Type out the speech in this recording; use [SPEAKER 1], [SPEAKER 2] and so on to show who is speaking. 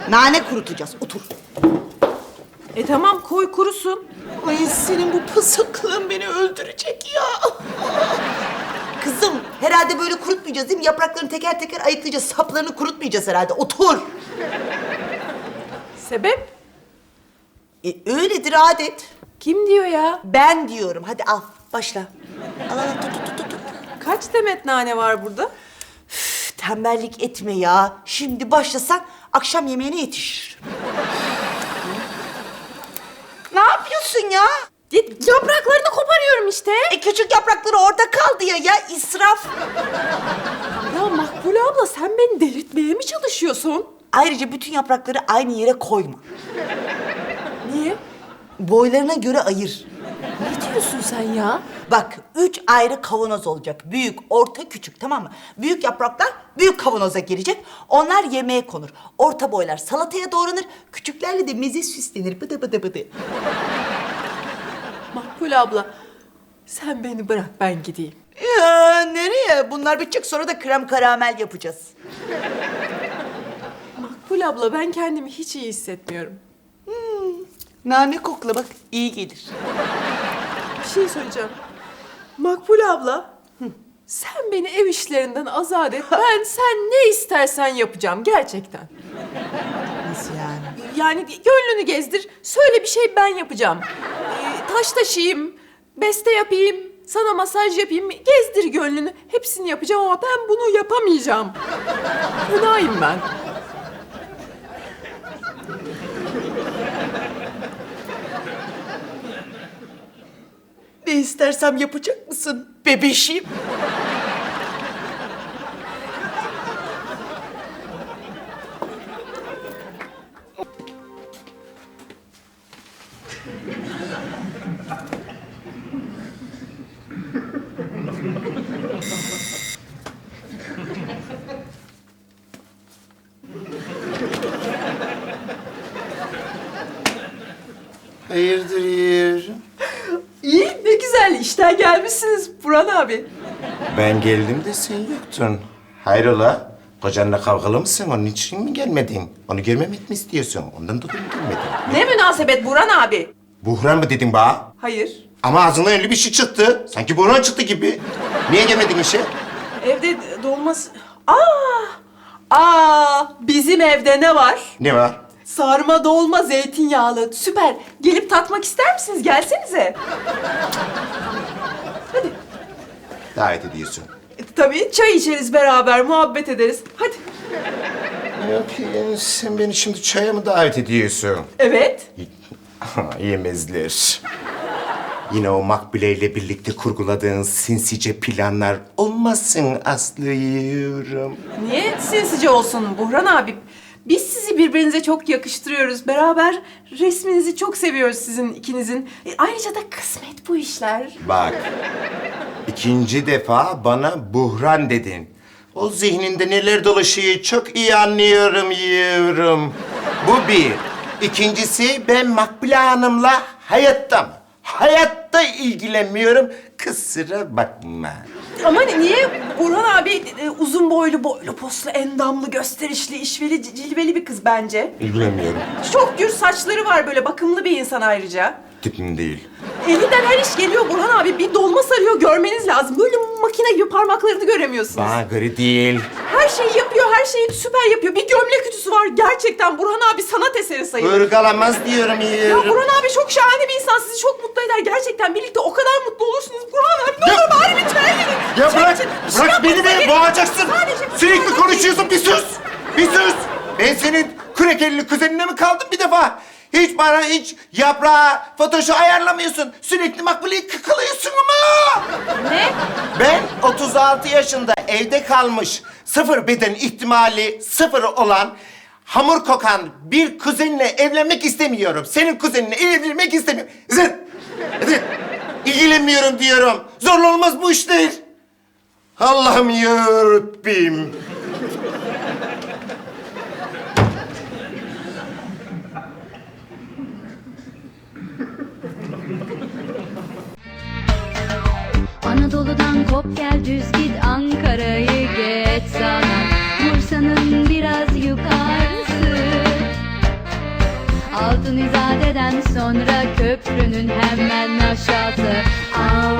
[SPEAKER 1] Nane kurutacağız. Otur.
[SPEAKER 2] Tamam koy kurusun.
[SPEAKER 1] Ay senin bu pısıklığın beni öldürecek ya. Kızım herhalde böyle kurutmayacağız değil mi? Yapraklarını teker teker ayıklayacağız. Saplarını kurutmayacağız herhalde. Otur.
[SPEAKER 2] Sebep?
[SPEAKER 1] Öyledir adet.
[SPEAKER 2] Kim diyor ya?
[SPEAKER 1] Ben diyorum. Hadi al. Başla. Al al tut.
[SPEAKER 2] Kaç demet nane var burada?
[SPEAKER 1] Üf, tembellik etme ya. Şimdi başlasan akşam yemeğine yetişir. Ne yapıyorsun ya?
[SPEAKER 2] Yapraklarını koparıyorum işte.
[SPEAKER 1] Küçük yaprakları orada kaldı ya israf.
[SPEAKER 2] Ya Makbule abla sen beni delirtmeye mi çalışıyorsun?
[SPEAKER 1] Ayrıca bütün yaprakları aynı yere koyma.
[SPEAKER 2] Niye?
[SPEAKER 1] Boylarına göre ayır.
[SPEAKER 2] Ne diyorsun sen ya?
[SPEAKER 1] Bak 3 ayrı kavanoz olacak. Büyük, orta, küçük tamam mı? Büyük yapraklar büyük kavanoza girecek. Onlar yemeğe konur. Orta boylar salataya doğranır. Küçüklerle de meze süslenir. Bıdı bıdı bıdı.
[SPEAKER 2] Makbule abla sen beni bırak ben gideyim.
[SPEAKER 1] Ya nereye? Bunlar bitecek sonra da krem karamel yapacağız.
[SPEAKER 2] Makbule abla ben kendimi hiç iyi hissetmiyorum.
[SPEAKER 1] Nane kokla bak iyi gelir.
[SPEAKER 2] Bir şey söyleyeceğim. Makbule abla. Sen beni ev işlerinden azat et. Ben sen ne istersen yapacağım gerçekten.
[SPEAKER 1] Nasıl yani?
[SPEAKER 2] Yani gönlünü gezdir. Söyle bir şey ben yapacağım. Taş taşıyayım, beste yapayım, sana masaj yapayım. Gezdir gönlünü. Hepsini yapacağım ama ben bunu yapamayacağım. Fenayım ben.
[SPEAKER 1] Ne istersem yapacak mısın bebeşim?
[SPEAKER 3] Hayırdır yavrum?
[SPEAKER 2] İyi, ne güzel. İşten gelmişsiniz Burhan abi.
[SPEAKER 3] Ben geldim de sen yoktun. Hayrola? Kocanla kavgalı mısın? Onun için mi gelmedin? Onu görmemek mi istiyorsun? Ondan dolayı mı gelmedin?
[SPEAKER 2] Ne münasebet Burhan abi?
[SPEAKER 3] Buhran mı dedin bana?
[SPEAKER 2] Hayır.
[SPEAKER 3] Ama ağzından öyle bir şey çıktı. Sanki buhran çıktı gibi. Niye gelmedin işe?
[SPEAKER 2] Evde dolması... Bizim evde ne var?
[SPEAKER 3] Ne var?
[SPEAKER 2] Sarma dolma zeytinyağlı. Süper. Gelip tatmak ister misiniz? Gelsenize. Hadi.
[SPEAKER 3] Davet ediyorsun.
[SPEAKER 2] Tabii çay içeriz beraber, muhabbet ederiz. Hadi.
[SPEAKER 3] Yok yani sen beni şimdi çaya mı davet ediyorsun?
[SPEAKER 2] Evet.
[SPEAKER 3] Yemezler. Yine o Makbule ile birlikte kurguladığın sinsice planlar olmasın Aslı yavrum.
[SPEAKER 2] Niye sinsice olsun Burhan abi? Biz sizi birbirinize çok yakıştırıyoruz. Beraber resminizi çok seviyoruz sizin ikinizin. Ayrıca da kısmet bu işler.
[SPEAKER 3] Bak, ikinci defa bana buhran dedin. O zihninde neler dolaşıyor çok iyi anlıyorum yavrum. Bu bir. İkincisi ben Makbule Hanım'la hayatta ilgilenmiyorum. Kusura bakma.
[SPEAKER 2] Ama niye Burhan abi uzun boylu, poslu, endamlı, gösterişli, işveli, cilveli bir kız bence.
[SPEAKER 3] İlgilenmiyorum.
[SPEAKER 2] Çok gür saçları var böyle, bakımlı bir insan ayrıca.
[SPEAKER 3] Tipim değil.
[SPEAKER 2] Elinden her iş geliyor Burhan abi. Bir dolma sarıyor, görmeniz lazım. Böyle makine gibi parmaklarını göremiyorsunuz.
[SPEAKER 3] Bana göre değil.
[SPEAKER 2] Her şeyi yapıyor, her şeyi süper yapıyor. Bir gömlek ütüsü var. Gerçekten Burhan abi sanat eseri sayılır.
[SPEAKER 3] Irgalamaz diyorum
[SPEAKER 2] Ya
[SPEAKER 3] yavrum.
[SPEAKER 2] Burhan abi çok şahane bir insan. Sizi çok mutlu eder. Gerçekten birlikte o kadar mutlu olursunuz. Burhan abi ne olur bari bir çay verin.
[SPEAKER 3] Ya
[SPEAKER 2] Çay
[SPEAKER 3] bırak,
[SPEAKER 2] için bir şey
[SPEAKER 3] bırak beni
[SPEAKER 2] yapmanıza
[SPEAKER 3] be,
[SPEAKER 2] gerek-
[SPEAKER 3] boğacaksın.
[SPEAKER 2] Sadece bir
[SPEAKER 3] Sürekli
[SPEAKER 2] şey
[SPEAKER 3] konuşuyorsun, bir sus. Bir sus. Ben senin kürekelli kuzenine mi kaldım bir defa? Hiç yaprağı, fotoşu ayarlamıyorsun. Sürekli Makbule'yi kıkılıyorsun ama.
[SPEAKER 2] Ne?
[SPEAKER 3] Ben 36 yaşında evde kalmış, sıfır beden ihtimali sıfır olan, hamur kokan bir kuzenle evlenmek istemiyorum. Senin kuzenine evlenmek istemiyorum. Zıt! Zıt! İlgilenmiyorum diyorum. Zorla olmaz bu işler. Allah'ım yarabbim.
[SPEAKER 4] Anadolu'dan kop gel düz git Ankara'yı geç sana Bursa'nın biraz yukarısı Altın izadeden sonra köprünün hemen aşağısı.